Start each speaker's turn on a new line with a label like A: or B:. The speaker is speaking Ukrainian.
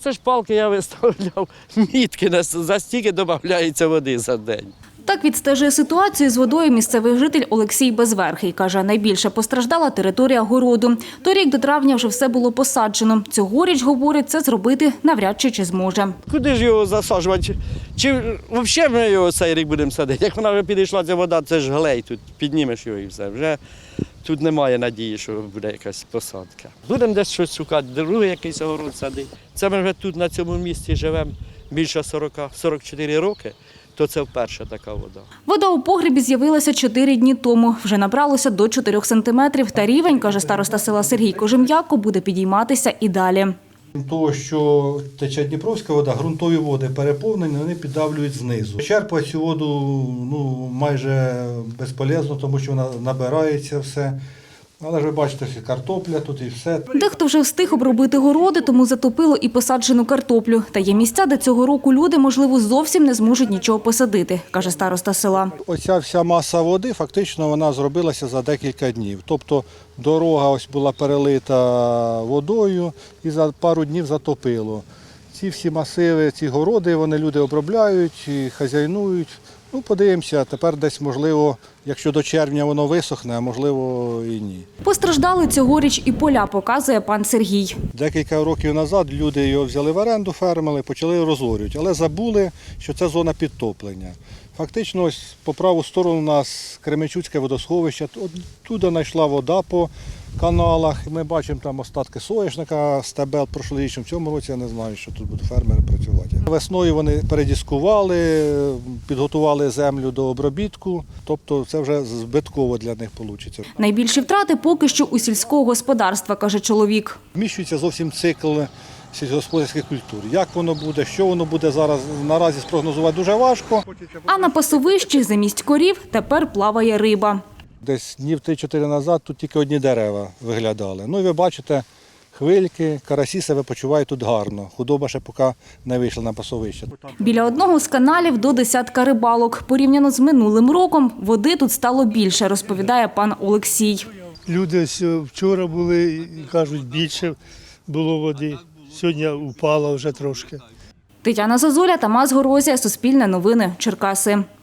A: це ж палки я виставляв, мітки, за стільки додається води за день.
B: Так відстежує ситуацію з водою місцевий житель Олексій Безверхий. Каже, найбільше постраждала територія городу. Торік до травня вже все було посаджено. Цьогоріч, говорить, це зробити навряд чи зможе.
A: Куди ж його засаджувати? Чи взагалі ми його цей рік будемо садити? Як вона вже підійшла, ця вода, це ж глей, тут піднімеш його і все. Вже тут немає надії, що буде якась посадка. Будемо десь щось шукати, другий якийсь огород садити. Це ми вже тут на цьому місці живемо більше 44 роки. То це вперше така вода.
B: Вода у погребі з'явилася 4 дні тому. Вже набралося до 4 сантиметрів. Та рівень, каже староста села Сергій Кожем'яко, буде підійматися і далі.
C: Крім того, що тече Дніпровська вода, ґрунтові води переповнені, вони піддавлюють знизу. Черпати цю воду майже безполезно, тому що вона набирається все. Але ж ви бачите, що картопля тут і все.
B: Дехто вже встиг обробити городи, тому затопило і посаджену картоплю. Та є місця, де цього року люди, можливо, зовсім не зможуть нічого посадити, каже староста села.
C: Оця вся маса води, фактично, вона зробилася за декілька днів. Тобто дорога ось була перелита водою і за пару днів затопило. Ці всі масиви, ці городи, вони люди обробляють, і хазяйнують. Подивимося, тепер десь, можливо, якщо до червня воно висохне, а можливо і ні.
B: Постраждали цьогоріч і поля, показує пан Сергій.
C: Декілька років назад люди його взяли в оренду, фермери, почали розорювати, але забули, що це зона підтоплення. Фактично, ось по праву сторону у нас Кременчуцьке водосховище, туди знайшла вода по каналах. Ми бачимо там остатки соняшника, стебел прошлорічним. В цьому році я не знаю, що тут будуть фермери працювати. Весною вони передіскували, підготували землю до обробітку, тобто це вже збитково для них вийде.
B: Найбільші втрати поки що у сільського господарства, каже чоловік.
C: Вміщується зовсім цикл сільськогосподарських культур. Як воно буде, що воно буде зараз, наразі спрогнозувати дуже важко.
B: А на пасовищі замість корів тепер плаває риба.
C: Десь днів 3-4 назад тут тільки одні дерева виглядали. І ви бачите, хвильки, карасі себе почувають тут гарно. Худоба ще поки не вийшла на пасовище.
B: Біля одного з каналів до десятка рибалок. Порівняно з минулим роком води тут стало більше, розповідає пан Олексій.
D: Люди вчора були і кажуть, більше було води. Сьогодні упало вже трошки.
B: Тетяна Зозуля, Тамас Горозія, Суспільне новини, Черкаси.